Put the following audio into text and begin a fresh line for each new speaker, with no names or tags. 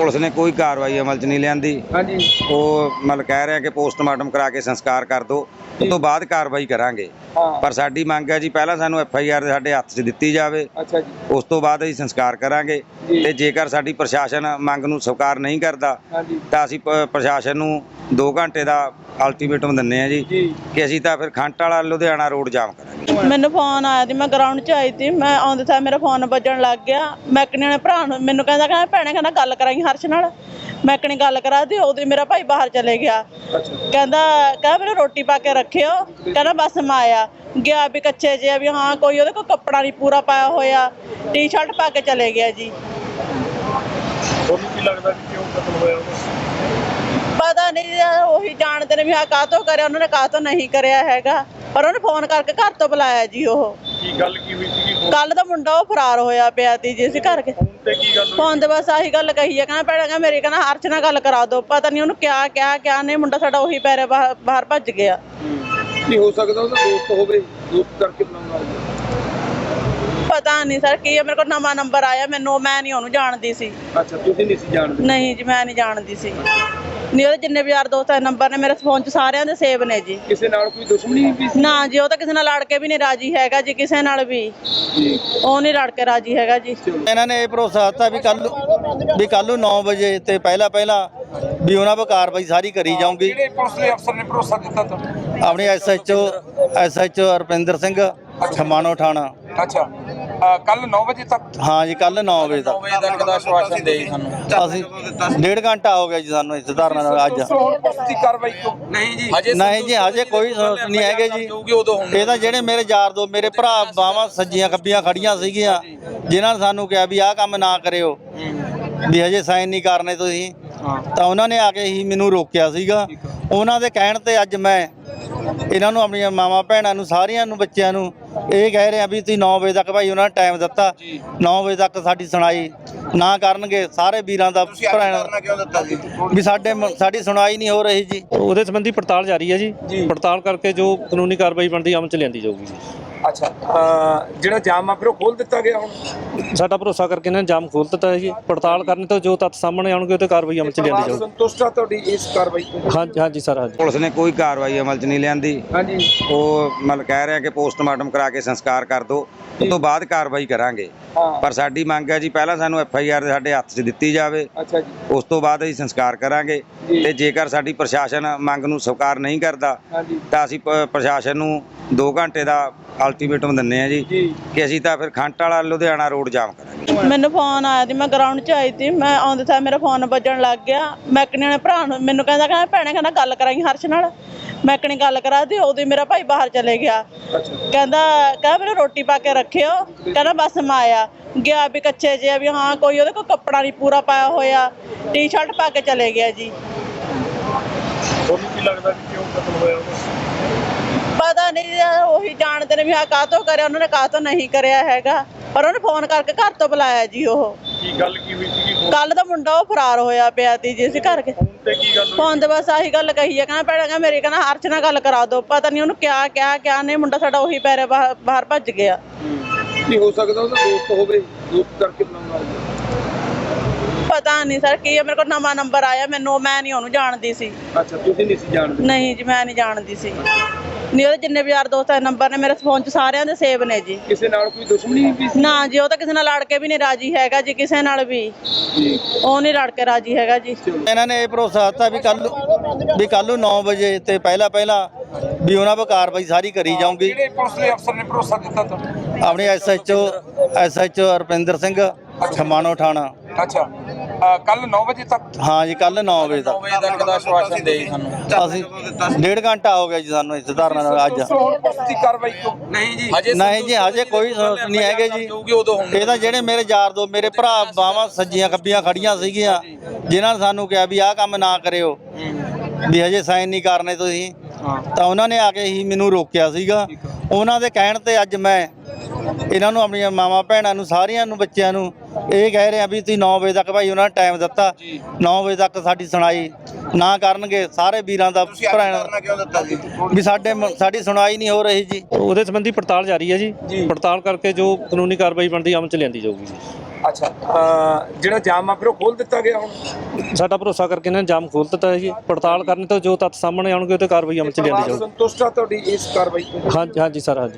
Police ने कोई कार्रवाई अमल च नहीं लियांदी।
हाँ जी।
वो मतलब कह रहे हैं कि पोस्टमार्टम करा के संस्कार कर दो, उस तो बाद कार्रवाई करांगे।
हाँ।
पर साडी मंग है जी पहला सानू FIR साडे हत्थ 'च दित्ती जावे,
अच्छा जी।
उस तो बाद असीं संस्कार करांगे।
जी।
ते जेकर साडी प्रशासन मंग नूं स्वीकार नहीं करदा
हाँ जी।
ਤਾਂ ਅਸੀਂ ਪ੍ਰਸ਼ਾਸਨ ਨੂੰ 2 ਘੰਟੇ ਦਾ ਅਲਟੀਮੇਟਮ ਦਿੰਨੇ ਆ ਜੀ ਕਿ ਅਸੀਂ ਤਾਂ ਫਿਰ ਖੰਟ ਵਾਲਾ ਲੁਧਿਆਣਾ ਰੋਡ ਜਾਮ ਕਰਾਂਗੇ।
ਮੈਨੂੰ ਫੋਨ ਆਇਆ ਸੀ, ਮੈਂ ਗਰਾਊਂਡ 'ਚ ਆਈ ਸੀ, ਮੈਂ ਆਉਂਦੇ ਸਾਰ ਮੇਰਾ ਫੋਨ ਵੱਜਣ ਲੱਗ ਗਿਆ। ਮੈਕਨੀ ਨੇ ਭਰਾ ਨੂੰ ਮੈਨੂੰ ਕਹਿੰਦਾ ਭੈਣੇ ਕਹਿੰਦਾ ਗੱਲ ਕਰਾਈ ਹਰਸ਼ ਨਾਲ। ਮੈਕਨੀ ਗੱਲ ਕਰਾ ਦੀ, ਉਦੋਂ ਮੇਰਾ ਭਾਈ ਬਾਹਰ ਚਲੇ ਗਿਆ। ਕਹਿੰਦਾ ਮੈਨੂੰ ਰੋਟੀ ਪਾ ਕੇ ਰੱਖਿਓ, ਕਹਿੰਦਾ ਬਸ ਮੈਂ ਆਇਆ ਗਿਆ ਵੀ ਕੱਚੇ ਜੇ ਵੀ ਹਾਂ ਕੋਈ ਉਹਦੇ ਕੋਲ ਕੱਪੜਾ ਨਹੀਂ ਪੂਰਾ ਪਾਇਆ ਹੋਇਆ, ਟੀ-ਸ਼ਰਟ ਪਾ ਕੇ ਚਲੇ ਗਿਆ ਜੀ।
ਤੁਹਾਨੂੰ ਕੀ ਲੱਗਦਾ ਕਿ ਕਿਉਂ ਕਤਲ ਹੋਇਆ ਉਹਦਾ?
ਪਤਾ ਨਹੀਂ, ਉਹੀ ਜਾਣਦੇ ਨੇ ਵੀ ਹਾਂ ਕਾਹਤੋਂ ਕਰਿਆ, ਉਹਨਾਂ ਨੇ ਕਾਹਤੋਂ ਨਹੀਂ ਕਰਿਆ ਹੈਗਾ। ਪਰ ਉਹਨੇ ਫੋਨ ਕਰਕੇ ਘਰ ਤੋਂ ਬੁਲਾਇਆ ਜੀ। ਉਹ
ਕੀ ਗੱਲ ਕੀ ਹੋਈ ਸੀ?
ਕੱਲ ਦਾ ਮੁੰਡਾ ਉਹ ਫਰਾਰ ਹੋਇਆ ਪਿਆ ਸੀ ਜੀ। ਅਸੀਂ ਘਰ ਕੇ
ਤੇ ਕੀ ਗੱਲ ਹੋਈ?
ਫੋਨ ਤੇ ਬਸ ਆਹੀ ਗੱਲ ਕਹੀ ਹੈ, ਕਹਿੰਦਾ ਭੈਣਾ ਮੇਰੇ ਕਹਿੰਦਾ ਹਰਸ਼ ਨਾਲ ਗੱਲ ਕਰਾ ਦਿਓ। ਪਤਾ ਨਹੀਂ ਉਹਨੂੰ ਕਿਆ ਨਹੀਂ, ਮੁੰਡਾ ਸਾਡਾ ਉਹੀ ਪੈਰੇ ਬਾਹਰ ਭੱਜ ਗਿਆ।
ਕੀ ਹੋ ਸਕਦਾ ਉਹਦਾ ਦੋਸਤ ਹੋਵੇ, ਦੋਸਤ ਕਰਕੇ ਬਣਾਉਣਾ?
ਪਤਾ ਨਹੀਂ ਸਰ ਕੀ ਹੈ, ਮੇਰੇ ਕੋਲ ਨਵਾਂ ਨੰਬਰ ਆਇਆ, ਮੈਂ ਨਹੀਂ ਉਹਨੂੰ ਜਾਣਦੀ ਸੀ।
ਅੱਛਾ, ਤੁਸੀਂ ਨਹੀਂ ਸੀ ਜਾਣਦੇ?
ਨਹੀਂ ਜੀ, ਮੈਂ ਨਹੀਂ ਜਾਣਦੀ ਸੀ। ਨਹੀਂ, ਉਹਦੇ ਜਿੰਨੇ ਵੀ ਯਾਰ ਦੋਸਤ ਦੇ ਨੰਬਰ ਨੇ ਮੇਰੇ ਫੋਨ 'ਚ ਸਾਰਿਆਂ ਦੇ ਸੇਵ ਨੇ ਜੀ।
ਕਿਸੇ ਨਾਲ ਕੋਈ ਦੁਸ਼ਮਣੀ ਵੀ ਸੀ?
ਨਾ ਜੀ, ਉਹ ਤਾਂ ਕਿਸੇ ਨਾਲ ਲੜ ਕੇ ਵੀ ਨਹੀਂ ਰਾਜੀ ਹੈਗਾ ਜੀ, ਕਿਸੇ ਨਾਲ ਵੀ ਉਹ ਨਹੀਂ ਲੜ ਕੇ ਰਾਜੀ ਹੈਗਾ ਜੀ।
ਇਹਨਾਂ ਨੇ ਇਹ ਭਰੋਸਾ ਦਿੱਤਾ ਵੀ ਕੱਲ ਨੂੰ 9 ਵਜੇ ਤੇ ਪਹਿਲਾਂ ਵੀ ਉਹਨਾਂ 'ਤੇ ਕਾਰਵਾਈ ਸਾਰੀ ਕਰੀ ਜਾਊਗੀ।
ਕਿਹੜੇ ਪੁਲਿਸ ਦੇ ਅਫਸਰ ਨੇ ਭਰੋਸਾ ਦਿੱਤਾ ਤੁਹਾਨੂੰ?
ਆਪਣੇ SHO ਰੁਪਿੰਦਰ ਸਿੰਘ ਖਮਾਣੋ ਥਾਣਾ।
ਅੱਛਾ, ਕੱਲ 9 ਵਜੇ ਤੱਕ?
ਹਾਂ ਜੀ, ਕੱਲ 9 ਵਜੇ ਤੱਕ।
9 ਵਜੇ ਤੱਕ ਦਾ ਆਸ਼ਵਾਸਨ ਦੇ ਸਾਨੂੰ।
ਅਸੀਂ 1.5 ਘੰਟਾ ਹੋ ਗਿਆ ਜੀ ਸਾਨੂੰ ਇਸ ਧਾਰਨਾ ਨਾਲ। ਅੱਜ
ਪੁਲਿਸ ਦੀ ਕਾਰਵਾਈ ਕਿਉਂ ਨਹੀਂ ਜੀ?
ਨਹੀਂ ਜੀ, ਹਜੇ ਕੋਈ ਨਹੀਂ ਹੈਗੇ ਜੀ। ਇਹ ਤਾਂ ਜਿਹੜੇ ਮੇਰੇ ਯਾਰ ਦੋ ਮੇਰੇ ਭਰਾ ਬਾਵਾਂ ਸੱਜੀਆਂ ਖੱਬੀਆਂ ਖੜੀਆਂ ਸੀਗੀਆਂ, ਜਿਨ੍ਹਾਂ ਨੇ ਸਾਨੂੰ ਕਿਹਾ ਵੀ ਆਹ ਕੰਮ ਨਾ ਕਰਿਓ, ਵੀ ਹਜੇ ਸਾਈਨ ਨਹੀਂ ਕਰਨੇ ਤੁਸੀਂ, ਤਾਂ ਉਹਨਾਂ ਨੇ ਆ ਕੇ ਹੀ ਮੈਨੂੰ ਰੋਕਿਆ ਸੀਗਾ। ਉਹਨਾਂ ਦੇ ਕਹਿਣ ਤੇ ਅੱਜ ਮੈਂ ਇਹਨਾਂ ਨੂੰ, ਆਪਣੀਆਂ ਮਾਵਾਂ ਭੈਣਾਂ ਨੂੰ, ਸਾਰਿਆਂ ਨੂੰ, ਬੱਚਿਆਂ ਨੂੰ ਇਹ ਕਹਿ ਰਿਹਾ ਵੀ ਤੁਸੀਂ 9 ਵਜੇ ਤੱਕ ਭਾਈ ਉਹਨਾਂ ਨੇ ਟਾਈਮ ਦਿੱਤਾ, 9 ਵਜੇ ਤੱਕ ਸਾਡੀ ਸੁਣਾਈ ਨਾ ਕਰਨਗੇ ਸਾਰੇ ਵੀਰਾਂ ਦਾ ਵੀ ਸਾਡੀ ਸੁਣਾਈ ਨਹੀਂ ਹੋ ਰਹੀ ਜੀ।
ਉਹਦੇ ਸੰਬੰਧੀ ਪੜਤਾਲ ਜਾਰੀ ਹੈ ਜੀ। ਪੜਤਾਲ ਕਰਕੇ ਜੋ ਕਾਨੂੰਨੀ ਕਾਰਵਾਈ ਬਣਦੀ ਅਮਲ ਚ ਲਿਆਂਦੀ ਜਾਊਗੀ ਜੀ।
ਅੱਛਾ, ਜਿਹੜਾ ਜਾਮ ਆ ਫਿਰ ਉਹ ਖੋਲ ਦਿੱਤਾ ਗਿਆ ਹੁਣ?
ਸਾਡਾ ਭਰੋਸਾ ਕਰਕੇ ਇਹਨਾਂ ਨੇ ਜਾਮ ਖੋਲ੍ਹ ਦਿੱਤਾ ਹੈ ਜੀ। ਪੜਤਾਲ ਕਰਨ ਤੋਂ ਜੋ ਤੱਥ ਸਾਹਮਣੇ ਆਉਣਗੇ ਉਹ ਤੇ ਕਾਰਵਾਈ ਅਮਲ ਚ ਲਿਆਂਦੀ ਜਾਊਗੀ।
ਸੰਤੁਸ਼ਟ ਆ ਤੁਹਾਡੀ ਇਸ ਕਾਰਵਾਈ ਤੋਂ?
ਹਾਂਜੀ ਸਰ, ਹਾਂਜੀ।
ਪੁਲਿਸ ਨੇ ਕੋਈ कार्रवाई अमल च नहीं लियांदी।
हाँ जी।
वो मतलब कह रहे हैं कि पोस्टमार्टम करा के संस्कार कर दो, उस तो बाद कार्रवाई करांगे।
हाँ।
पर साडी मंग है जी पहला सानू FIR साडे हत्थ 'च दित्ती जावे,
अच्छा जी।
उस तो बाद असीं संस्कार करांगे। ते जेकर साडी प्रशासन मंग नूं स्वीकार नहीं करदा
हाँ जी।
ਤਾਂ ਅਸੀਂ ਪ੍ਰਸ਼ਾਸਨ ਨੂੰ 2 ਘੰਟੇ ਦਾ ਅਲਟੀਮੇਟਮ ਦਿੰਨੇ ਆ ਜੀ ਕਿ ਅਸੀਂ ਤਾਂ ਫਿਰ ਖੰਟ ਵਾਲਾ ਲੁਧਿਆਣਾ ਰੋਡ ਜਾਮ ਕਰਾਂਗੇ।
ਮੈਨੂੰ ਫੋਨ ਆਇਆ ਸੀ, ਮੈਂ ਗਰਾਊਂਡ 'ਚ ਆਈ ਸੀ, ਮੈਂ ਆਉਂਦੇ ਸਾਰ ਮੇਰਾ ਫੋਨ ਵੱਜਣ ਲੱਗ ਗਿਆ। ਮੈਕਨੀ ਨੇ ਭਰਾ ਨੂੰ ਮੈਨੂੰ ਕਹਿੰਦਾ ਭੈਣੇ ਕਹਿੰਦਾ ਗੱਲ ਕਰਾਈ ਹਰਸ਼ ਨਾਲ। ਮੈਕਨੀ ਗੱਲ ਕਰਾ ਦੀ, ਉਦੋਂ ਮੇਰਾ ਭਾਈ ਬਾਹਰ ਚਲੇ ਗਿਆ। ਕਹਿੰਦਾ ਮੈਨੂੰ ਰੋਟੀ ਪਾ ਕੇ ਰੱਖਿਓ, ਕਹਿੰਦਾ ਬਸ ਮੈਂ ਆਇਆ ਗਿਆ ਵੀ ਕੱਚੇ ਜੇ ਵੀ ਹਾਂ ਕੋਈ ਉਹਦੇ ਕੋਲ ਕੱਪੜਾ ਨਹੀਂ ਪੂਰਾ ਪਾਇਆ ਹੋਇਆ, ਟੀ-ਸ਼ਰਟ ਪਾ ਕੇ ਚਲੇ ਗਿਆ ਜੀ।
ਤੁਹਾਨੂੰ ਕੀ ਲੱਗਦਾ ਕਿ ਕਿਉਂ ਕਤਲ ਹੋਇਆ ਉਹਦਾ?
ਪਤਾ ਨਹੀਂ, ਉਹੀ ਜਾਣਦੇ ਨੇ ਵੀ ਹਾਂ ਕਾਹਤੋਂ ਕਰਿਆ, ਉਹਨਾਂ ਨੇ ਕਾਹਤੋਂ ਨਹੀਂ ਕਰਿਆ ਹੈਗਾ। ਪਰ ਉਹਨੇ ਫੋਨ ਕਰਕੇ ਘਰ ਤੋਂ ਬੁਲਾਇਆ ਜੀ। ਉਹ
ਕੀ ਗੱਲ ਕੀ ਹੋਈ ਸੀ?
ਕੱਲ ਦਾ ਮੁੰਡਾ ਉਹ ਫਰਾਰ ਹੋਇਆ ਪਿਆ ਸੀ ਜੀ। ਅਸੀਂ ਘਰ ਕੇ
ਤੇ ਕੀ ਗੱਲ ਹੋਈ?
ਫੋਨ ਤੇ ਬਸ ਆਹੀ ਗੱਲ ਕਹੀ ਹੈ, ਕਹਿੰਦਾ ਭੈਣਾ ਮੇਰੇ ਕਹਿੰਦਾ ਹਰਸ਼ ਨਾਲ ਗੱਲ ਕਰਾ ਦਿਓ। ਪਤਾ ਨਹੀਂ ਉਹਨੂੰ ਕਿਆ ਨਹੀਂ, ਮੁੰਡਾ ਸਾਡਾ ਉਹੀ ਪੈਰੇ ਬਾਹਰ ਭੱਜ ਗਿਆ।
ਕੀ ਹੋ ਸਕਦਾ ਉਹਦਾ ਦੋਸਤ ਹੋਵੇ, ਦੋਸਤ ਕਰਕੇ ਬਣਾਉਣਾ?
ਪਤਾ ਨਹੀਂ ਸਰ ਕੀ ਹੈ, ਮੇਰੇ ਕੋਲ ਨਵਾਂ ਨੰਬਰ ਆਇਆ, ਮੈਂ ਨਹੀਂ ਉਹਨੂੰ ਜਾਣਦੀ ਸੀ।
ਅੱਛਾ, ਤੁਸੀਂ ਨਹੀਂ ਸੀ ਜਾਣਦੇ?
ਨਹੀਂ ਜੀ, ਮੈਂ ਨਹੀਂ ਜਾਣਦੀ ਸੀ। ਨਹੀਂ, ਉਹਦੇ ਜਿੰਨੇ ਵੀ ਯਾਰ ਦੋਸਤ ਦੇ ਨੰਬਰ ਨੇ ਮੇਰੇ ਫੋਨ 'ਚ ਸਾਰਿਆਂ ਦੇ ਸੇਵ ਨੇ ਜੀ।
ਕਿਸੇ ਨਾਲ ਕੋਈ ਦੁਸ਼ਮਣੀ ਵੀ ਸੀ?
ਨਾ ਜੀ, ਉਹ ਤਾਂ ਕਿਸੇ ਨਾਲ ਲੜ ਕੇ ਵੀ ਨਹੀਂ ਰਾਜੀ ਹੈਗਾ ਜੀ, ਕਿਸੇ ਨਾਲ ਵੀ ਉਹ ਨਹੀਂ ਲੜ ਕੇ ਰਾਜੀ ਹੈਗਾ ਜੀ।
ਇਹਨਾਂ ਨੇ ਇਹ ਭਰੋਸਾ ਦਿੱਤਾ ਵੀ ਕੱਲ ਨੂੰ 9 ਵਜੇ ਤੇ ਪਹਿਲਾਂ ਵੀ ਉਹਨਾਂ 'ਤੇ ਕਾਰਵਾਈ ਸਾਰੀ ਕਰੀ ਜਾਊਗੀ।
ਕਿਹੜੇ ਪੁਲਿਸ ਦੇ ਅਫਸਰ ਨੇ ਭਰੋਸਾ ਦਿੱਤਾ ਤੁਹਾਨੂੰ?
ਆਪਣੇ SHO ਰੁਪਿੰਦਰ ਸਿੰਘ ਖਮਾਣੋ ਥਾਣਾ।
ਅੱਛਾ, ਕੱਲ 9 ਵਜੇ ਤੱਕ?
ਹਾਂ ਜੀ, ਕੱਲ 9 ਵਜੇ ਤੱਕ।
9 ਵਜੇ ਤੱਕ ਦਾ ਆਸ਼ਵਾਸਨ ਦੇ ਸਾਨੂੰ।
ਅਸੀਂ 1.5 ਘੰਟਾ ਹੋ ਗਿਆ ਜੀ ਸਾਨੂੰ ਇਸ ਧਾਰਨਾ ਨਾਲ। ਅੱਜ
ਪੁਲਿਸ ਦੀ ਕਾਰਵਾਈ ਕਿਉਂ ਨਹੀਂ ਜੀ?
ਨਹੀਂ ਜੀ, ਹਜੇ ਕੋਈ ਨਹੀਂ ਹੈਗੇ ਜੀ। ਇਹ ਤਾਂ ਜਿਹੜੇ ਮੇਰੇ ਯਾਰ ਦੋ ਮੇਰੇ ਭਰਾ ਬਾਵਾਂ ਸੱਜੀਆਂ ਖੱਬੀਆਂ ਖੜੀਆਂ ਸੀਗੀਆਂ, ਜਿਨ੍ਹਾਂ ਨੇ ਸਾਨੂੰ ਕਿਹਾ ਵੀ ਆਹ ਕੰਮ ਨਾ ਕਰਿਓ, ਵੀ ਹਜੇ ਸਾਈਨ ਨਹੀਂ ਕਰਨੇ ਤੁਸੀਂ, ਤਾਂ ਉਹਨਾਂ ਨੇ ਆ ਕੇ ਹੀ ਮੈਨੂੰ ਰੋਕਿਆ ਸੀਗਾ। ਉਹਨਾਂ ਦੇ ਕਹਿਣ ਤੇ ਅੱਜ ਮੈਂ ਇਹਨਾਂ ਨੂੰ, ਆਪਣੀਆਂ ਮਾਵਾਂ ਭੈਣਾਂ ਨੂੰ, ਸਾਰਿਆਂ ਨੂੰ, ਬੱਚਿਆਂ ਨੂੰ ਇਹ ਕਹਿ ਰਿਹਾ ਵੀ ਤੁਸੀਂ 9 ਵਜੇ ਤੱਕ ਭਾਈ ਉਹਨਾਂ ਨੇ ਟਾਈਮ ਦਿੱਤਾ, 9 ਵਜੇ ਤੱਕ ਸਾਡੀ ਸੁਣਾਈ ਨਾ ਕਰਨਗੇ ਸਾਰੇ ਵੀਰਾਂ ਦਾ ਵੀ ਸਾਡੀ ਸੁਣਾਈ ਨਹੀਂ ਹੋ ਰਹੀ ਜੀ।
ਉਹਦੇ ਸੰਬੰਧੀ ਪੜਤਾਲ ਜਾਰੀ ਹੈ ਜੀ। ਪੜਤਾਲ ਕਰਕੇ ਜੋ ਕਾਨੂੰਨੀ ਕਾਰਵਾਈ ਬਣਦੀ ਅਮਲ ਚ ਲਿਆਂਦੀ ਜਾਊਗੀ ਜੀ।
ਅੱਛਾ ਜਿਹੜਾ ਜਾਮ ਆ ਫਿਰ ਉਹ ਖੋਲ ਦਿੱਤਾ ਗਿਆ ਹੁਣ?
ਸਾਡਾ ਭਰੋਸਾ ਕਰਕੇ ਇਹਨਾਂ ਨੇ ਜਾਮ ਖੋਲ੍ਹ ਦਿੱਤਾ ਹੈ ਜੀ। ਪੜਤਾਲ ਕਰਨ ਤੋਂ ਜੋ ਤੱਥ ਸਾਹਮਣੇ ਆਉਣਗੇ ਉਹ ਤੇ ਕਾਰਵਾਈ ਅਮਲ ਚ ਲਿਆਂਦੀ ਜਾਊਗੀ।
ਸੰਤੁਸ਼ਟ ਆ ਤੁਹਾਡੀ ਇਸ ਕਾਰਵਾਈ ਤੋਂ?
ਹਾਂਜੀ ਹਾਂਜੀ ਸਰ, ਹਾਂਜੀ।